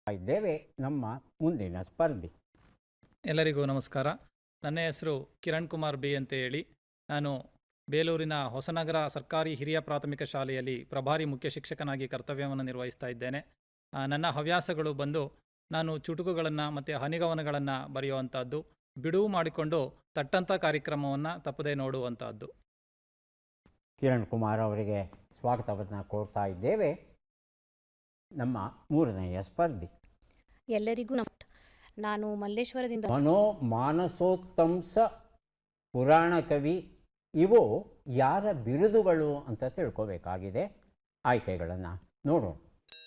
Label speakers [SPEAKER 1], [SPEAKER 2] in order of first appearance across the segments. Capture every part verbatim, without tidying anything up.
[SPEAKER 1] ಇದ್ದೇವೆ ನಮ್ಮ ಮುಂದಿನ ಸ್ಪರ್ಧಿ.
[SPEAKER 2] ಎಲ್ಲರಿಗೂ ನಮಸ್ಕಾರ. ನನ್ನ ಹೆಸರು ಕಿರಣ್ ಕುಮಾರ್ ಬಿ ಅಂತ ಹೇಳಿ. ನಾನು ಬೇಲೂರಿನ ಹೊಸನಗರ ಸರ್ಕಾರಿ ಹಿರಿಯ ಪ್ರಾಥಮಿಕ ಶಾಲೆಯಲ್ಲಿ ಪ್ರಭಾರಿ ಮುಖ್ಯ ಶಿಕ್ಷಕನಾಗಿ ಕರ್ತವ್ಯವನ್ನು ನಿರ್ವಹಿಸ್ತಾ ಇದ್ದೇನೆ. ಆ, ನನ್ನ ಹವ್ಯಾಸಗಳು ಬಂದು ನಾನು ಚುಟುಕುಗಳನ್ನು ಮತ್ತು ಹನಿಗವನಗಳನ್ನು ಬರೆಯುವಂಥದ್ದು, ಬಿಡುವು ಮಾಡಿಕೊಂಡು ತಟ್ಟಂಥ ಕಾರ್ಯಕ್ರಮವನ್ನು ತಪ್ಪದೇ ನೋಡುವಂಥದ್ದು.
[SPEAKER 1] ಕಿರಣ್ ಕುಮಾರ್ ಅವರಿಗೆ ಸ್ವಾಗತವನ್ನು ಕೋರ್ತಾ ಇದ್ದೇವೆ. ನಮ್ಮ ಮೂರನೆಯ ಸ್ಪರ್ಧಿ.
[SPEAKER 3] ಎಲ್ಲರಿಗೂ ನಮಸ್ಕಾರ. ನಾನು ಮಲ್ಲೇಶ್ವರದಿಂದ
[SPEAKER 1] ಮನೋ ಮಾನಸೋತ್ತಂಸ ಪುರಾಣ ಕವಿ ಇವು ಯಾರ ಬಿರುದುಗಳು ಅಂತ ತಿಳ್ಕೋಬೇಕಾಗಿದೆ. ಆಯ್ಕೆಗಳನ್ನು ನೋಡೋಣ.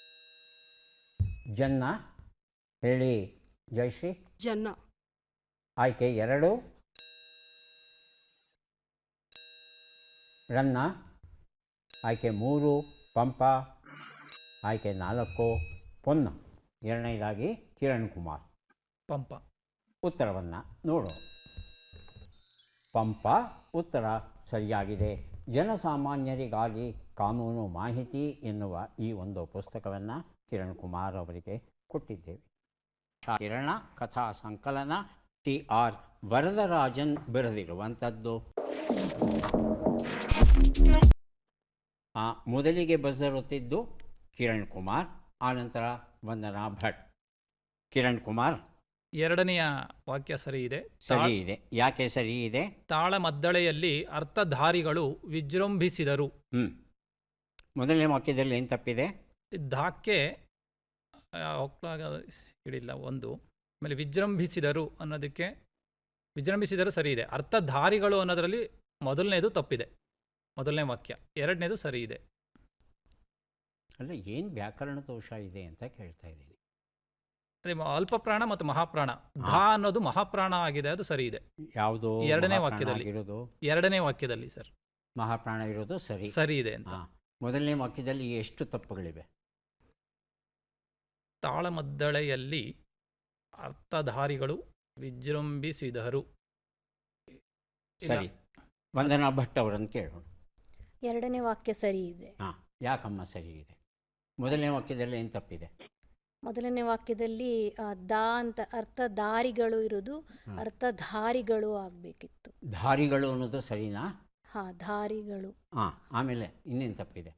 [SPEAKER 1] ಜನ್ನ ಹೇಳಿ ಜಯಶ್ರೀ.
[SPEAKER 4] ಜನ್ನ.
[SPEAKER 1] ಆಯ್ಕೆ ಎರಡು. ರನ್ನ. ಆಯ್ಕೆ ಮೂರು. ಪಂಪ. ಆಯ್ಕೆ ನಾಲ್ಕು. ಪೊನ್ನ. ಎರಡನೇದಾಗಿ ಕಿರಣ್ ಕುಮಾರ್.
[SPEAKER 2] ಪಂಪ.
[SPEAKER 1] ಉತ್ತರವನ್ನು ನೋಡೋಣ. ಪಂಪ ಉತ್ತರ ಸರಿಯಾಗಿದೆ. ಜನಸಾಮಾನ್ಯರಿಗಾಗಿ ಕಾನೂನು ಮಾಹಿತಿ ಎನ್ನುವ ಈ ಒಂದು ಪುಸ್ತಕವನ್ನು ಕಿರಣ್ ಕುಮಾರ್ ಅವರಿಗೆ ಕೊಟ್ಟಿದ್ದೇವೆ. ಕಿರಣ ಕಥಾ ಸಂಕಲನ ಟಿ ಆರ್ ವರದರಾಜನ್ ಬರೆದಿರುವಂಥದ್ದು. ಆ ಮೊದಲಿಗೆ ಬಸರುತ್ತಿದ್ದು ಕಿರಣ್ ಕುಮಾರ್, ಆನಂತರ ವಂದನಾ ಭಟ್. ಕಿರಣ್ ಕುಮಾರ್.
[SPEAKER 2] ಎರಡನೆಯ ವಾಕ್ಯ ಸರಿ ಇದೆ.
[SPEAKER 1] ಸರಿ ಇದೆ. ಯಾಕೆ ಸರಿ ಇದೆ?
[SPEAKER 2] ತಾಳಮದ್ದಳೆಯಲ್ಲಿ ಅರ್ಥಧಾರಿಗಳು ವಿಜೃಂಭಿಸಿದರು.
[SPEAKER 1] ಹ್ಞೂ ಮೊದಲನೇ ವಾಕ್ಯದಲ್ಲಿ ಏನು ತಪ್ಪಿದೆ?
[SPEAKER 2] ಧಾಕ್ಕೆ ಹೋಗ್ಲಾಗ ಹಿಡಿಲ್ಲ ಒಂದು. ಆಮೇಲೆ ವಿಜೃಂಭಿಸಿದರು ಅನ್ನೋದಕ್ಕೆ ವಿಜೃಂಭಿಸಿದರು ಸರಿ ಇದೆ. ಅರ್ಥಧಾರಿಗಳು ಅನ್ನೋದರಲ್ಲಿ ಮೊದಲನೇದು ತಪ್ಪಿದೆ, ಮೊದಲನೇ ವಾಕ್ಯ. ಎರಡನೇದು ಸರಿ ಇದೆ.
[SPEAKER 1] ಅಲ್ಲ, ಏನು ವ್ಯಾಕರಣ ದೋಷ ಇದೆ ಅಂತ ಕೇಳ್ತಾ ಇದ್ದೀನಿ.
[SPEAKER 2] ಅದೇ ಅಲ್ಪಪ್ರಾಣ ಮತ್ತು ಮಹಾಪ್ರಾಣ. ಧಾ ಅನ್ನೋದು ಮಹಾಪ್ರಾಣ ಆಗಿದೆ, ಅದು ಸರಿ ಇದೆ.
[SPEAKER 1] ಯಾವುದು?
[SPEAKER 2] ಎರಡನೇ ವಾಕ್ಯದಲ್ಲಿ
[SPEAKER 1] ಇರೋದು
[SPEAKER 2] ಎರಡನೇ ವಾಕ್ಯದಲ್ಲಿ ಸರ್
[SPEAKER 1] ಮಹಾಪ್ರಾಣ ಇರೋದು ಸರಿ
[SPEAKER 2] ಸರಿ ಇದೆ ಅಂತ.
[SPEAKER 1] ಮೊದಲನೇ ವಾಕ್ಯದಲ್ಲಿ ಎಷ್ಟು ತಪ್ಪುಗಳಿವೆ?
[SPEAKER 2] ತಾಳಮದ್ದಳೆಯಲ್ಲಿ ಅರ್ಥಧಾರಿಗಳು ವಿಜೃಂಭಿಸಿದರು.
[SPEAKER 1] ಸರಿ. ವಂದನಾ ಭಟ್ ಅವರನ್ನು ಕೇಳೋಣ.
[SPEAKER 3] ಎರಡನೇ ವಾಕ್ಯ ಸರಿ ಇದೆ.
[SPEAKER 1] ಹಾಂ, ಯಾಕಮ್ಮ ಸರಿ ಇದೆ? ಮೊದಲನೇ ವಾಕ್ಯದಲ್ಲಿ ಏನು ತಪ್ಪಿದೆ?
[SPEAKER 3] ಮೊದಲನೇ ವಾಕ್ಯದಲ್ಲಿ ಆ, ದಾ ಅಂತ ಅರ್ಥಧಾರಿಗಳು ಇರೋದು ಅರ್ಥಧಾರಿಗಳು ಆಗಬೇಕಿತ್ತು.
[SPEAKER 1] ಧಾರಿಗಳು ಅನ್ನೋದು ಸರಿನಾ?
[SPEAKER 3] ಹಾ, ಧಾರಿಗಳು.
[SPEAKER 1] ಹಾಂ, ಆಮೇಲೆ ಇನ್ನೇನು ತಪ್ಪಿದೆ?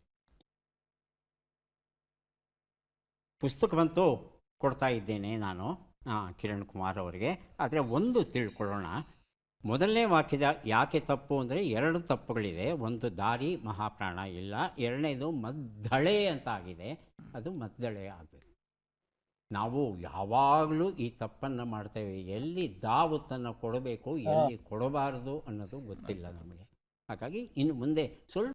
[SPEAKER 1] ಪುಸ್ತಕವಂತೂ ಕೊಡ್ತಾ ಇದ್ದೇನೆ ನಾನು ಹಾಂ ಕಿರಣ್ ಕುಮಾರ್ ಅವರಿಗೆ. ಆದರೆ ಒಂದು ತಿಳ್ಕೊಳ್ಳೋಣ. ಮೊದಲನೇ ವಾಕ್ಯದ ಯಾಕೆ ತಪ್ಪು ಅಂದರೆ ಎರಡು ತಪ್ಪುಗಳಿದೆ. ಒಂದು ದಾರಿ ಮಹಾಪ್ರಾಣ ಇಲ್ಲ, ಎರಡನೇದು ಮದ್ದಳೆ ಅಂತ ಆಗಿದೆ, ಅದು ಮದ್ದಳೆ ಆಗಬೇಕು. ನಾವು ಯಾವಾಗಲೂ ಈ ತಪ್ಪನ್ನು ಮಾಡ್ತೇವೆ. ಎಲ್ಲಿ ದಾವತ್ತನ್ನು ಕೊಡಬೇಕು, ಎಲ್ಲಿ ಕೊಡಬಾರದು ಅನ್ನೋದು ಗೊತ್ತಿಲ್ಲ ನಮಗೆ. ಹಾಗಾಗಿ ಇನ್ನು ಮುಂದೆ ಸ್ವಲ್ಪ